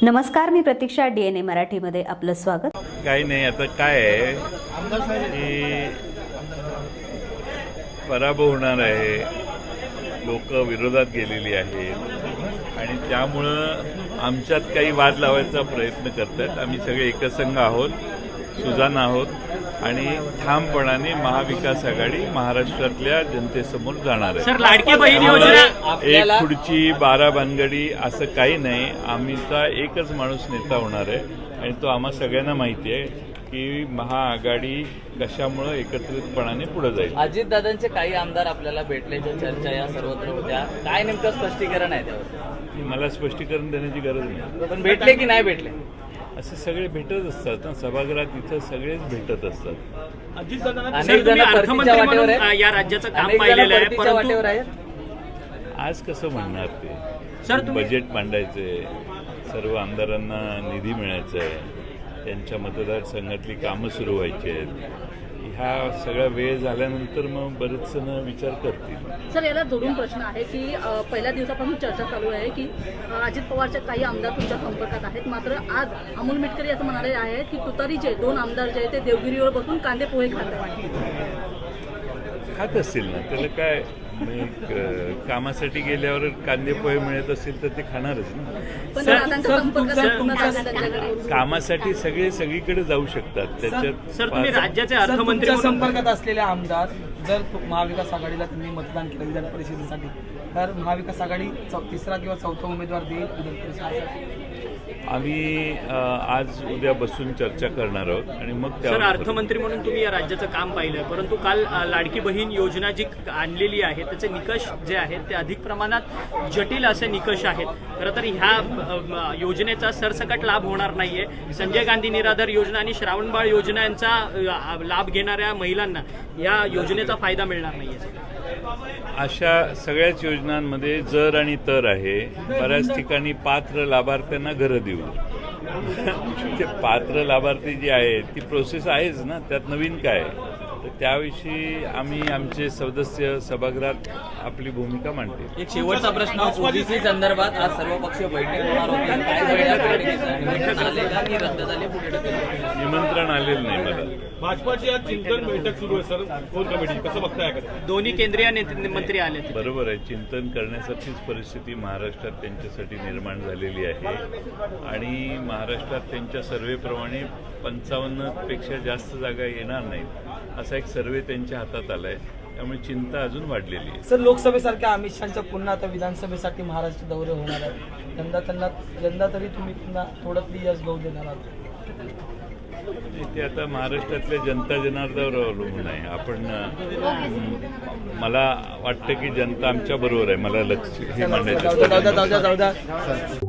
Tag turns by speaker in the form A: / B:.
A: नमस्कार, मी प्रतीक्षा, DNA मराठीमध्ये आपलं स्वागत.
B: काही नाही, आता काय आहे की पराभव होणार आहे, लोक विरोधात गेलेली आहेत आणि त्यामुळं आमच्यात काही वाद लावायचा प्रयत्न करतात. आम्ही सगळे एकसंघ आहोत, सुजाण आहोत आणि ठामपणाने महाविकास आघाडी महाराष्ट्रातल्या जनतेसमोर जाणार आहे.
C: सर, लाडकी बहीण योजना
B: एक खुर्ची 12 भानगडी असं काही नाही. आम्हीचा एकच माणूस नेता होणार आहे आणि तो आम्हा सगळ्यांना माहिती आहे की महाआघाडी कशामुळं एकत्रितपणाने पुढे जाईल.
D: अजितदादांचे काही आमदार आपल्याला भेटल्याच्या चर्चा या सर्वत्र होत्या. काय नेमकं स्पष्टीकरण आहे त्यावर?
B: मला स्पष्टीकरण देण्याची गरज नाही.
D: पण भेटले की नाही भेटले?
B: असे सगळे भेटत असतात ना, सभागृहात इथं सगळेच भेटत असतात.
D: अनेक जण
C: अर्थमंत्री
D: वाटेवर
C: म्हणून
D: आहेत.
C: या राज्याचं काम
D: अनेक जण
C: पाहिलेलं आहे,
D: परतीच्या वाटेवर
C: परंतु
D: आहेत.
B: आज कसं म्हणणार ते?
C: सर, तुम्ही-
B: बजेट मांडायचंय, सर्व आमदारांना निधी मिळायचा आहे, त्यांच्या मतदारसंघातली कामं सुरू व्हायची आहेत. ह्या सगळा वेळ झाल्यानंतर मग बरेच जण विचार करतील.
E: सर, याला जोडून प्रश्न आहे की पहिल्या दिवसापासून चर्चा चालू आहे की अजित पवारचे काही आमदार तुमच्या संपर्कात आहेत, मात्र आज अमोल मिटकरी असं म्हणाले आहेत की तुतारीचे 2 आमदार जे आहेत ते देवगिरीवर बसून कांदे पोहे खात आहेत.
B: खात असतील ना, त्याला काय कामासाठी गेल्यावर कांदे पोहे मिळत असेल तर ते खाणारच ना.
E: पण दादांच्या संपर्कात पूर्ण झाले त्यांच्याकडे.
B: कामासाठी सगळे सगळीकडे जाऊ शकतात. त्याच्यात
C: सर, तुम्ही राज्याचे अर्थमंत्री
F: तुमच्या
C: म्हणून
F: संपर्कात असलेले आमदार जर महाविकास आघाडीला तुम्ही मतदान केलं विधान परिषदेसाठी, तर महाविकास आघाडी तिसरा किंवा चौथा उमेदवार देईल विधान परिषदेसाठी?
B: आम्ही आज उद्या बसून चर्चा करणार आहोत आणि मग
C: सर,
B: त्यावर
C: अर्थमंत्री म्हणून तुम्ही या राज्याचं काम पाहिलं, परंतु काल लाडकी बहीण योजना जी आणलेली आहे त्याचे निकष जे आहेत ते अधिक प्रमाणात जटिल असे निकष आहेत. खरं तर ह्या योजनेचा सरसकट लाभ होणार नाहीये. संजय गांधी निराधार योजना आणि श्रावणबाळ योजना यांचा लाभ घेणाऱ्या महिलांना या योजनेचा फायदा मिळणार नाहीये.
B: अशा सगळ्याच योजनांमध्ये जर आणि तर आहे. बऱ्याच ठिकाणी पात्र लाभार्थ्यांना घरं देऊ. ते पात्र लाभार्थी जी आहे ती प्रोसेस आहेच ना, त्यात नवीन काय? तर त्याविषयी आम्ही आमचे सदस्य सभागृहात आपली भूमिका मांडतील.
D: एक शेवटचा प्रश्न, ओबीसी संदर्भात आज सर्वपक्षीय बैठक होणार होती. काय वेळ बैठकीचं निमंत्रण आले का की रद्द झाले? पुढे ढकलले?
B: निमंत्रण आलेलं नाही मला.
G: भाजपाची आज चिंतन बैठक सुरू आहे सर, कोर कमिटी कसं बघताय?
C: दोन्ही केंद्रीय मंत्री आले.
B: बरोबर आहे, चिंतन करण्यासारखीच परिस्थिती महाराष्ट्रात त्यांच्यासाठी निर्माण झालेली आहे आणि महाराष्ट्रात त्यांच्या सर्व्हेप्रमाणे 55 पेक्षा जास्त जागा येणार नाहीत असा एक सर्व्हे त्यांच्या हातात आलाय. त्यामुळे चिंता अजून वाढलेली आहे.
F: सर, लोकसभेसारख्या अमित शहाच्या पुन्हा आता विधानसभेसाठी महाराष्ट्र दौरे होणार आहेत. यंदा तरी तुम्ही पुन्हा थोडं यश गहू देणार आहात?
B: ते आता महाराष्ट्रातल्या जनता जनार्दनावर अवलंबून आहे. आपण मला वाटतं की जनता आमच्या बरोबर आहे. मला लक्ष हे मांडायचं
F: जाऊ द्या.